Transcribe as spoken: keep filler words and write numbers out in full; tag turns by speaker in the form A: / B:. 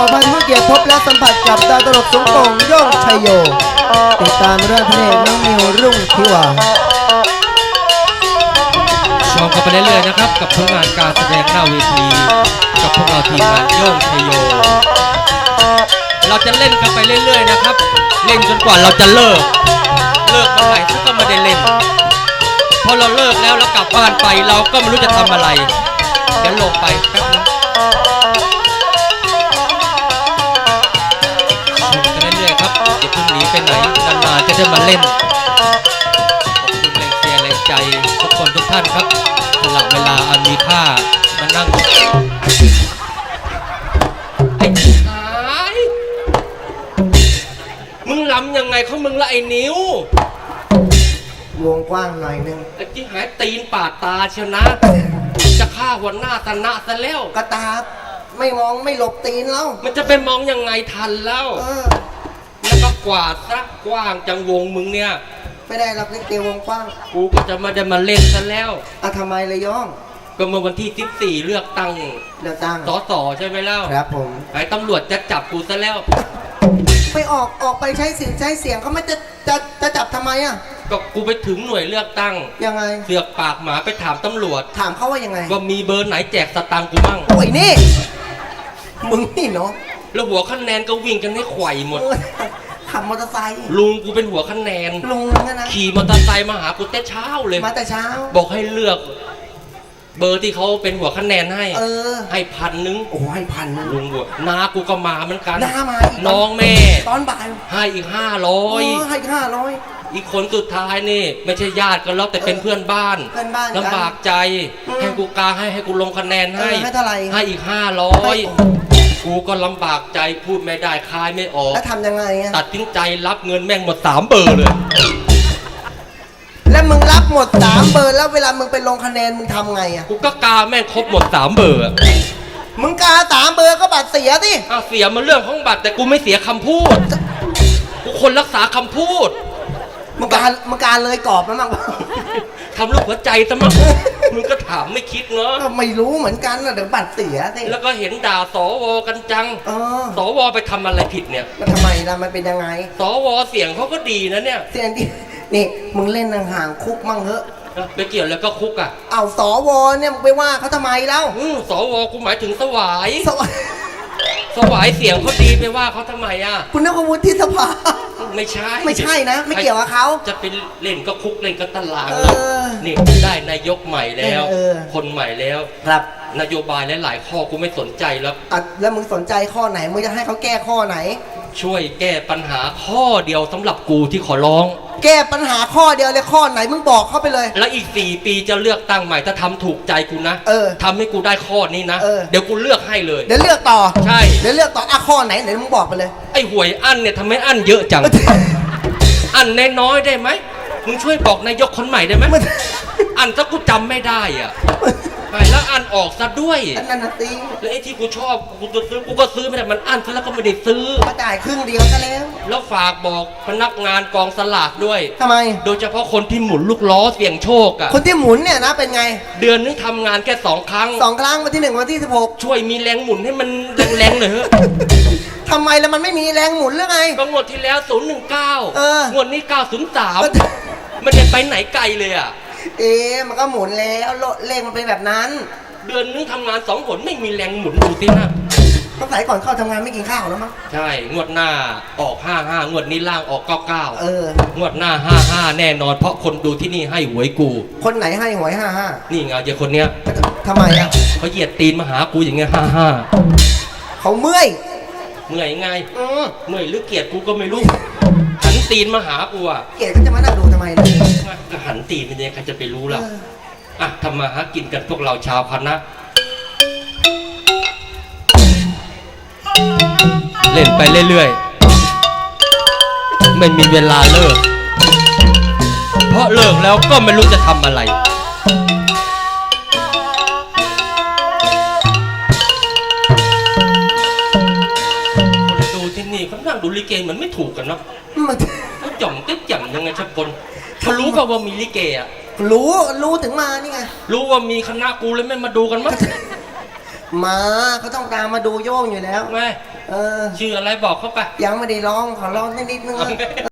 A: อพันผู้เกียรติพบและสัมผัสกับดาวตลกสงโป่งโย่งชัยโยติดตามเรื่องพระเอกน้องนิวรุ่งทิวา
B: ชมกันไปเรื่อยๆนะครับกับผลงานการแสดงหน้าเวทีกับพวกเราทีมงานโย่งชัยโยเราจะเล่นกันไปเรื่อยๆนะครับเล่นจนกว่าเราจะเลิกเลิกเมื่อไหร่ก็ไม่ได้เล่นพอเราเลิกแล้วแล้วกลับบ้านไปเราก็ไม่รู้จะทำอะไรเดี๋ยวลงไปแป๊บนึงชมกันเรื่อยๆครับอย่าเพิ่งหนีไปไหนนานๆจะได้มาเล่นขอบคุณแรงเชียร์แรงใจทุกคนทุกท่านครับสละเวลาอันมีค่ามานั่งไอ้ชายมึงล้ำยังไงเขามึงละไอ้นิ้ว
A: วงกว้างหน่อยนึง
B: ไอ้ที่หายตีนปาดตาเชียวนะจะฆ่าหัวหน้าตนะซะแล้ว
A: กระตาไม่มองไม่หลบตีนแล้ว
B: มันจะไปมองยังไงทันแล้ว
A: เออ
B: แล้วก็กวาดซะกว้างจังวงมึงเนี่ย
A: ไม่ได้รับเล่นเกมวงกว้าง
B: กูก็จะมาได้มาเล่นซะแล้ว
A: อ่ะทำไมเลยย่อง
B: ก็เมื่อวันที่สิบสี่เลือกตั้ง
A: เลือกตั้ง
B: สสใช่ไหมเล่า
A: ครับผม
B: ไอ้ตำรวจจะจับกูซะแล้ว
A: ไปออกออกไปใช้เสียงใช้เสียงเขาไม่จะจะจะจับทำไมอ่ะ
B: ก็กูไปถึงหน่วยเลือกตั้ง
A: ยังไง
B: เสือกปากหมาไปถามตำรวจ
A: ถามเขาว่ายังไง
B: ว่ามีเบอร์ไหนแจกสตางค์กูมั่ง
A: โอ้ยนี่มึงนี่เนาะ
B: แล้วหัวคะแนนก็วิ่งกันให้ไขว่หมด
A: ขับมอเตอร์ไซค์
B: ลุงกูเป็นหัวคะแนน
A: ลุงนะ
B: ขี่มอเตอร์ไซค์มาหากูแต่เช้าเลย
A: มาแต่เช้า
B: บอกให้เลือกเบอร์ที่เขาเป็นหัวคะแนนให้
A: เออ
B: ให้พันนึง
A: โอ้ให้พันนึง
B: ลุงบัวน้ากูก็มาเหมือนกัน
A: น้ามา
B: น้องแม่
A: ตอนบ่าย
B: ให้อีกห้าร้อย
A: ให้ห้าร้อย
B: อีกคนสุดท้ายนี่ไม่ใช่ญาติกันแล้วแต่เป็นเพื่อนบ้านลำบากใจให้กูกาให้ให้กูลงคะแนนให้
A: ให้เท่าไหร่
B: ให้อีกห้าร้อยกูก็ลำบากใจพูดไม่ได้คายไม่ออก
A: แล้วทำยังไง
B: ตัดสินใจรับเงินแม่งหมดสามเบอร์เลย
A: แล้วมึงรับหมดสามเบอร์แล้วเวลามึงไปลงคะแนนมึงทำไงอ่ะ
B: กูก็กาแม่งครบหมดสามเบอร์
A: มึงกาสามเบอร์ก็บัตรเสียสิ
B: อ้าวเสียมันเรื่องของบัตรแต่กูไม่เสียคำพูดกูคนรักษาคำพูด
A: มึงการมึงการเลยกรอบมั้ง
B: ทำลูกหัวใจซะมั้งมึงก็ถามไม่คิดเนาะ
A: ไม่รู้เหมือนกันนะเดี๋ยวบัตรเสียสิ
B: แล้วก็เห็นด่าสวกันจังสวไปทำอะไรผิดเนี่ย
A: แล้วทำไมล่ะมันเป็นยังไง
B: สวเสียงเขาก็ดีนะเนี่ย
A: เสียงดีนี่มึงเล่นห่างคุกมั่งเถอะ
B: ไปเกี่ยวแล้วก็คุกอ่ะ
A: เอาสวเนี่ยมึงไปว่าเขาทำไมแล้ว
B: สวกูหมายถึงสวายสวายเสียงเขาดีไปว่าเขาทำไมอ่ะ
A: คุณนึกว่าวุฒิสภา
B: ไม่ใช่
A: ไม่ใช่นะไม่เกี่ยวกับเขา
B: จะเป็นเล่นก็คุกเล่นก็ตารางนี่ได้นายกใหม่แล้วคนใหม่แล้ว
A: ครับ
B: นโยบายหลายๆข้อกูไม่สนใจแล้ว
A: อ่ะแล้วมึงสนใจข้อไหนมึงจะให้เขาแก้ข้อไหน
B: ช่วยแก้ปัญหาข้อเดียวสำหรับกูที่ขอร้อง
A: แก้ปัญหาข้อเดียวเลยข้อไหนมึงบอกเขาไปเลย
B: แล้วอีกสี่ปีจะเลือกตั้งใหม่ถ้าทำถูกใจกูนะ
A: เออ
B: ทำให้กูได้ข้อนี้นะเดี๋ยวกูเลือกให้เลย
A: เดี๋ยวเลือกต่อ
B: ใช่
A: เดี๋ยวเลือกต่ออ่ะข้อไหนไหนมึงบอกไปเลย
B: ไอ้หวยอั้นเนี่ยทำไมอั้นเยอะจังอั้นน้อยๆได้ไหมมึงช่วยบอกนายกคนใหม่ได้ไหมอั้นถ้ากูจำไม่ได้อ่ะแล้วอันออกซะด้วย
A: นั่นน่ะสิ
B: แล้วไอ้ที่กูชอบกูจะซื้อกูก็ซื้อไม่ได้มันอันซะแล้วก็ไม่ได้ซื้อ
A: มาจ่ายครึ่งเดียวซะแล้ว
B: แล้วฝากบอกพนักงานกองสลากด้วย
A: ทำไม
B: โดยเฉพาะคนที่หมุนลูกล้อเสี่ยงโชคอ่ะ
A: คนที่หมุนเนี่ยนะเป็นไง
B: เดือนนึงทำงานแค่สองครั้ง
A: สองครั้งวันที่หนึ่งวันที่สิบหก
B: ช่วยมีแรงหมุนให้มันแรงๆหน่อยเถอะ
A: ทำไมแล้วมันไม่มีแรงหมุนหรือไง
B: ก็งวดที่แล้วศูนย์หนึ่งเก้างวดนี้เก้าศูนย์สามมันจะไปไหนไกลเลยอ่ะ
A: เอ๊ะมันก็หมุนแล้วเลขมันเป็นแบบนั้น
B: เดือนนึงทำงานสองผลไม่มีแรงหมุนดูสินะ
A: ต้องใส่ก่อนเข้าทำงานไม่กินข้าวแล้วมั้ง
B: ใช่งวดหน้าออกห้าห้างวดนี้ล่างออกเก้าเก้า
A: เออง
B: วดหน้าห้าห้าแน่นอนเพราะคนดูที่นี่ให้หวยกู
A: คนไหนให้หวยห้าห้า
B: นี่ไงเจ้าคนเนี้ย
A: ทำไมอ่ะ
B: เขาเหยียดตีนมาหากูอย่างเงี้ยห้าห้า
A: เขาเมื่อย
B: เมื่อยไงเมื่อยหรือเกลียดกูก็ไม่รู้หันตีนมาหากูอ่ะ
A: เกลียดก็จะมานั่งดูทำไมล่ะ
B: ก็หันตีนเป็นยังไงใครจะไปรู้ล่ะอ่ะทำมาหากินกันพวกเราชาวคณะเล่นไปเรื่อยๆไม่มีเวลาเลิกเพราะเลิกแล้วก็ไม่รู้จะทำอะไรคนดูที่นี่เขานั่งดูลิเกเหมือนไม่ถูกกันเนาะเขาจ่อมเต๊ะจ่ำยังไงชักคนเขารู้ป่าวว่ามีลิเกอ่ะ
A: รู้รู้ถึงมานี่ไง
B: รู้ว่ามีคณะกูเลยไม่มาดูกันมั้ง
A: มาเขาต้องตามมาดูโย่งอยู่แล้ว
B: ไง
A: เออ
B: ชื่ออะไรบอกเขาไป
A: ยังไม่ได้ร้องขอร้องนิดนึงนะ